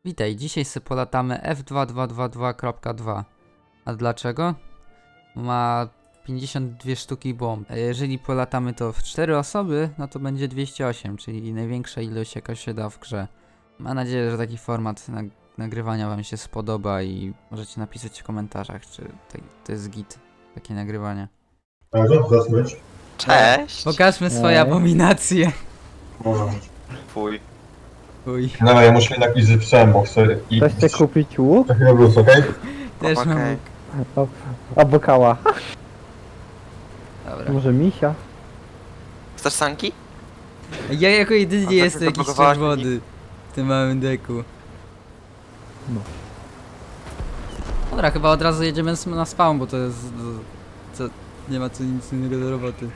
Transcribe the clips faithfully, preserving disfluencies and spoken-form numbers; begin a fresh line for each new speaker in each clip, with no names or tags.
Witaj, dzisiaj sobie polatamy F dwa dwa dwa dwa kropka dwa. A dlaczego? Ma pięćdziesiąt dwie sztuki bomb. A jeżeli polatamy to w cztery osoby, no to będzie dwieście osiem, czyli największa ilość jaka się da w grze. Mam nadzieję, że taki format nag nagrywania wam się spodoba i możecie napisać w komentarzach, czy to, to jest git, takie nagrywanie.
A co to za smycz?
Cześć!
Pokażmy swoje
Ej.
abominacje.
Może.
Fuj.
Uj,
No ja muszę jednak iść z psem, bo chcę i...
Ktoś chce kupić łuk?
Za chwilę wrócę, okej?
też mam
Okej.
łuk.
Albo kała.
Dobra.
Może misia?
Chcesz sanki?
Ja jako jedyny
A
nie
tak
jestem jakiś
zablokowałaś
czerwony w tym małym deku.
No.
Dobra, chyba od razu jedziemy s- na spawn, bo to jest... Co, nie ma tu nic innego do roboty.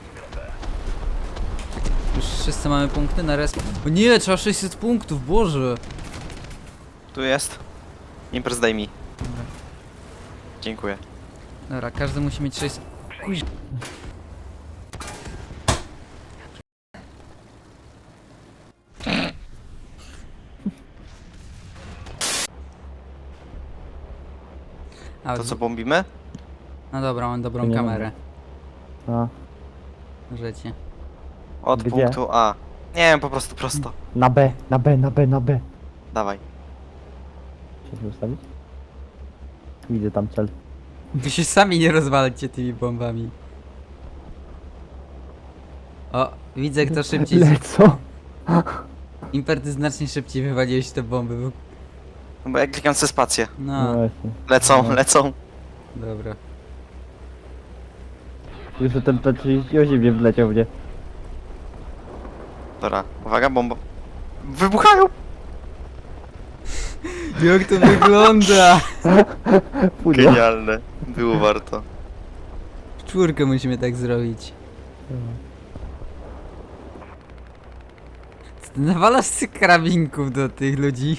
Już wszyscy mamy punkty na resp. O nie, trzeba sześćset punktów, Boże!
Tu jest. Imprez daj mi. Dziękuję.
Dobra, każdy musi mieć sześćset... Kuź... A,
To co, bombimy?
no dobra, mam dobrą
To nie
kamerę.
A,
Życie.
Od
Gdzie?
punktu A. Nie wiem, po prostu prosto.
na B, na B, na B, na B.
Dawaj.
Chcesz ustawić? Widzę tam cel.
Wy się sami nie rozwalcie tymi bombami. O, widzę kto szybciej... z-
Lecą.
Imper, ty znacznie szybciej wywaliłeś te bomby. bo-
No bo ja klikam sobie spację.
No
No,
właśnie.
Lecą,
No.
lecą.
dobra.
Już ten P trzydzieści osiem nie wleciał mnie.
Dobra, uwaga, bomba. Wybuchają!
Jak to wygląda?
Pudło.
Genialne. Było warto.
W czwórkę musimy tak zrobić. Co ty nawalasz z tych karabinków do tych ludzi?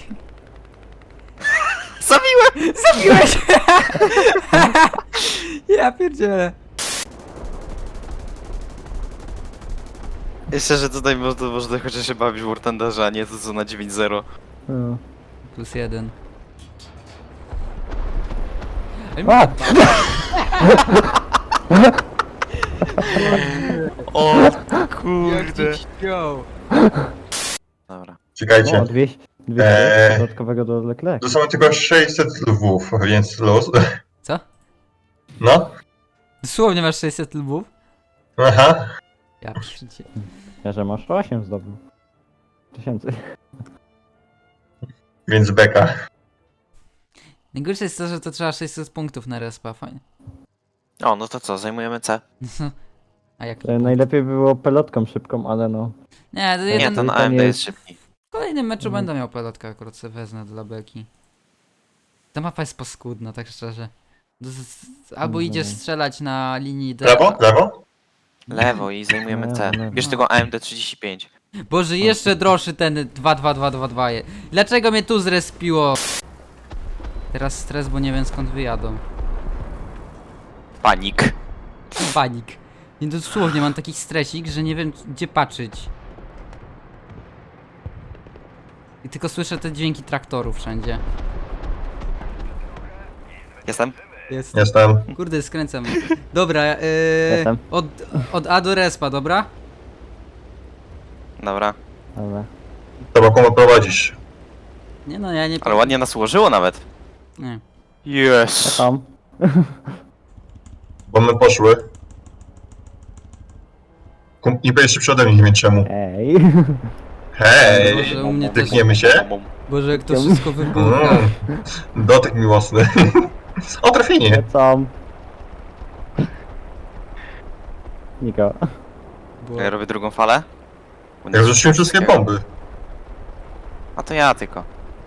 Zabiłem!
Zabiłeś! Ja pierdzielę.
Jeszcze, że tutaj można, można chociaż się bawić w War Thunderze, a nie to co na dziewięć zero.
No.
Plus jeden.
A!
O kurde.
Go.
Dobra.
Czekajcie.
O, dwieście. dwieście
Eee.
dodatkowego do Leclerc.
To są tylko sześćset lwów, więc los.
Co?
No.
Dosłownie masz sześćset lubów?
Aha.
Ja pierdzielę.
Ja, że masz osiem zdobył. Tysięcy.
Więc beka.
Najgorsze jest to, że to trzeba sześćset punktów na respa, fajnie.
O, no to co, zajmujemy C.
A jak?
E, Najlepiej było pelotką szybką, ale no.
Nie, to
Nie,
jeden...
ten
to
A M D
nie
jest
jest-
szybki.
W kolejnym meczu
Mhm.
będę miał pelotkę, akurat sobie wezmę dla beki. Ta mapa jest paskudna, tak szczerze. Z- z- Albo
Mhm.
idziesz strzelać na linii D.
Lewo? Lewo?
Lewo i zajmujemy C.
Lewo, lewo.
Bierz tego A M D trzydzieści pięć.
Boże, jeszcze droższy ten dwa dwa dwa dwa dwa. je- Dlaczego mnie tu zrespiło? Teraz stres, bo nie wiem skąd wyjadą.
Panik.
Panik. Nie, dosłownie mam taki stresik, że nie wiem gdzie patrzeć. I tylko słyszę te dźwięki traktorów wszędzie.
Jestem?
Jest.
Jestem.
Kurde, skręcam. Dobra, yy,
Jestem.
od, od A do respa, dobra?
Dobra.
Dobra.
Trzeba komu prowadzisz.
Nie no, ja nie...
Ale ładnie nas ułożyło nawet.
Nie.
Ja
Yes.
tam.
Bo my poszły. Kum- Nie będziesz szybszy ode mnie, nie wiem czemu.
Ej.
Hej!
Boże, u mnie też...
Tykniemy się?
Boże, jak to wszystko wybucha.
Mm. Dotyk miłosny. O, trafienie.
Lecą. Niko.
Bo...
Ja robię drugą falę. Bo nie
Ja
słyszę
zrzuciłem wszystkie
wszystkiego.
bomby.
A to ja tylko.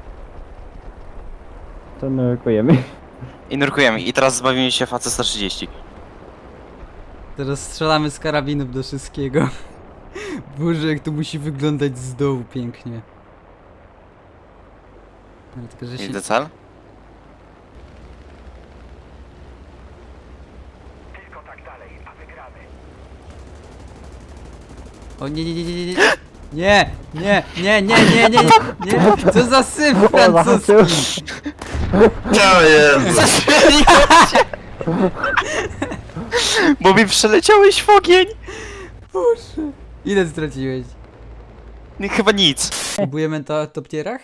To nurkujemy.
I nurkujemy. I teraz zbawimy się F A C sto trzydzieści.
Teraz strzelamy z karabinów do wszystkiego. Boże, jak to musi wyglądać z dołu pięknie. Ale tylko, że się...
Widzę cel.
O nie, nie, nie, nie, nie, nie. Nie, nie, nie, nie, nie, nie, nie, nie. Co za syf
O,
francuski.
zahaczył.
Co jest?
Bo mi przeleciałeś w ogień!
Boże. Ile straciłeś?
Nie, chyba nic.
Próbujemy to o toptierach?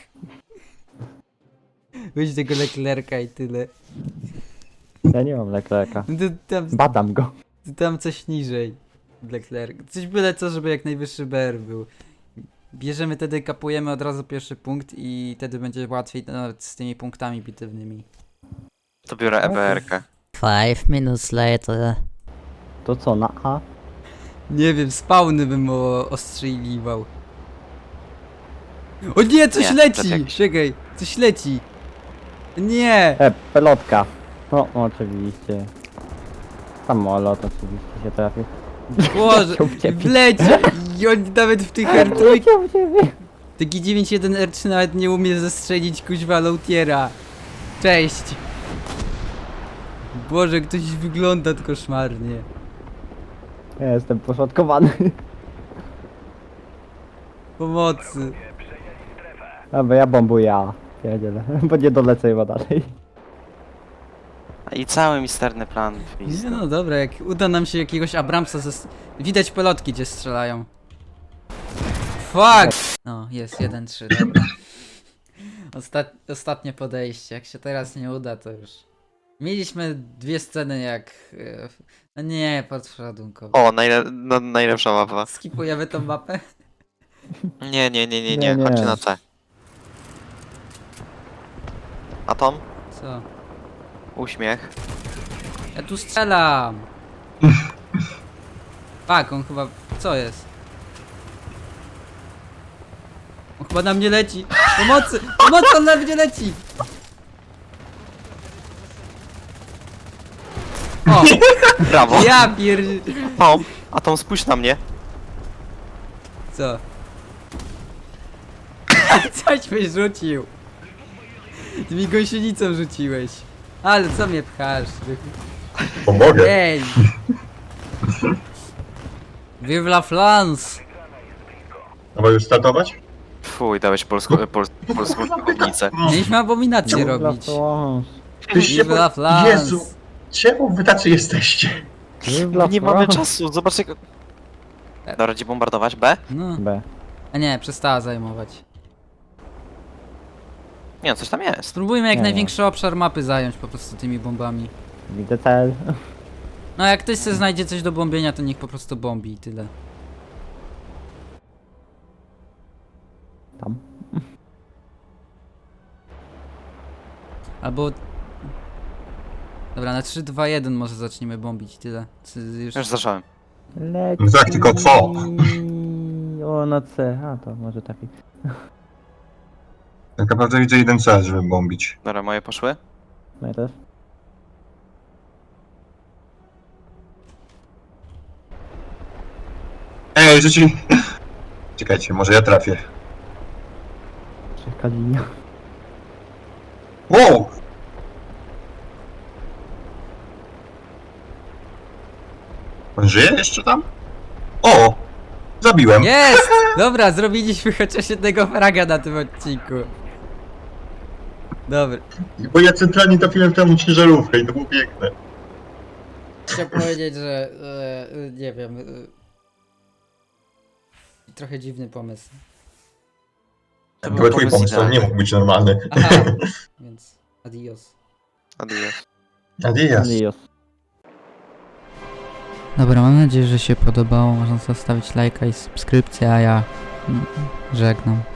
Weź tego Leclerca i tyle.
Ja nie mam Leclerca.
No to tam,
Badam go.
to tam coś niżej. Leclerc. Coś byle co, żeby jak najwyższy B R był. Bierzemy wtedy, kapujemy od razu pierwszy punkt i wtedy będzie łatwiej nawet z tymi punktami bitewnymi.
To biorę E B R kę.
Five minutes later.
To co, na A?
Nie wiem, spawny bym o- ostrzeliwał. O nie, coś
Nie,
leci!
tak jak-
Czekaj, coś leci. Nie!
E, pelotka. No, oczywiście. Samolot oczywiście się trafił.
Boże,
Leciał w ciebie.
wleci! I on nawet w tych R trzy...
Leciał w ciebie.
Taki dziewięć jeden R trzy nawet nie umie zestrzelić kuźwa Lautiera. Cześć! Boże, ktoś wygląda koszmarnie.
Ja jestem poszatkowany.
Pomocy.
Dobra, ja bombuję A. Pierdzielę, bo nie dolecę chyba dalej.
I cały misterny plan w
Nie
pizdu.
no dobra, jak uda nam się jakiegoś Abramsa zes... Widać pelotki, gdzie strzelają. Fuck! No, jest jeden trzy, dobra. Ostat... Ostatnie podejście, jak się teraz nie uda, to już... Mieliśmy dwie sceny jak... e, No nie, podszładunkowo.
O, najle no, najlepsza mapa.
Skipujemy tą mapę?
Nie, nie, nie, nie,
Nie,
nie,
nie.
chodźcie na C. Atom?
Co?
Uśmiech.
Ja tu strzelam! Fuck, on chyba... Co jest? On chyba na mnie leci! Pomocy! Pomocy, on na mnie leci! O!
Brawo!
Ja pier...
Atom! Atom, spójrz na mnie.
Co? Coś byś rzucił! Ty mi gąsienicą rzuciłeś. Ale co mnie pchasz?
Pomogę.
Ej! Vive la France!
Trzeba już startować?
Fuj, dałeś polską, pol, polską publicę.
Mieliśmy abominację robić.
Tyście
Vive la
po...
France!
Jezu! Czemu wy tacy jesteście?
Nie mamy czasu, zobacz jak... Dobra, gdzie bombardować? B?
No.
B.
A nie, przestała zajmować.
Nie no, coś tam jest.
Spróbujmy jak
Nie.
największy obszar mapy zająć po prostu tymi bombami.
Widzę cel.
No jak ktoś sobie znajdzie coś do bombienia, to niech po prostu bombi i tyle.
Tam.
Albo... Dobra, na trzy, dwa, jeden może zaczniemy bombić i tyle. Czy już...
Już zacząłem.
Leci.
No tak, tylko co?
O, na C. A, to może trafi.
Tak naprawdę widzę jeden cel, żeby bombić.
Dobra, moje poszły.
No ja też.
Ej, rzuci... Czekajcie, może ja trafię.
Czeka linia.
Wow! On żyje jeszcze tam? O! Zabiłem.
Jest! Dobra, zrobiliśmy chociaż jednego fraga na tym odcinku. Dobra.
Bo ja centralnie trafiłem w tę ciężarówkę i to było piękne.
Chciałem powiedzieć, że... E, nie wiem... E, trochę dziwny pomysł.
To
To
był
był twój
pomysł
pomysł, to nie
idealny.
mógł być normalny.
Aha, więc adios.
Adios.
Adios.
Lios.
Dobra, mam nadzieję, że się podobało. Można zostawić lajka i subskrypcję, a ja mm, żegnam.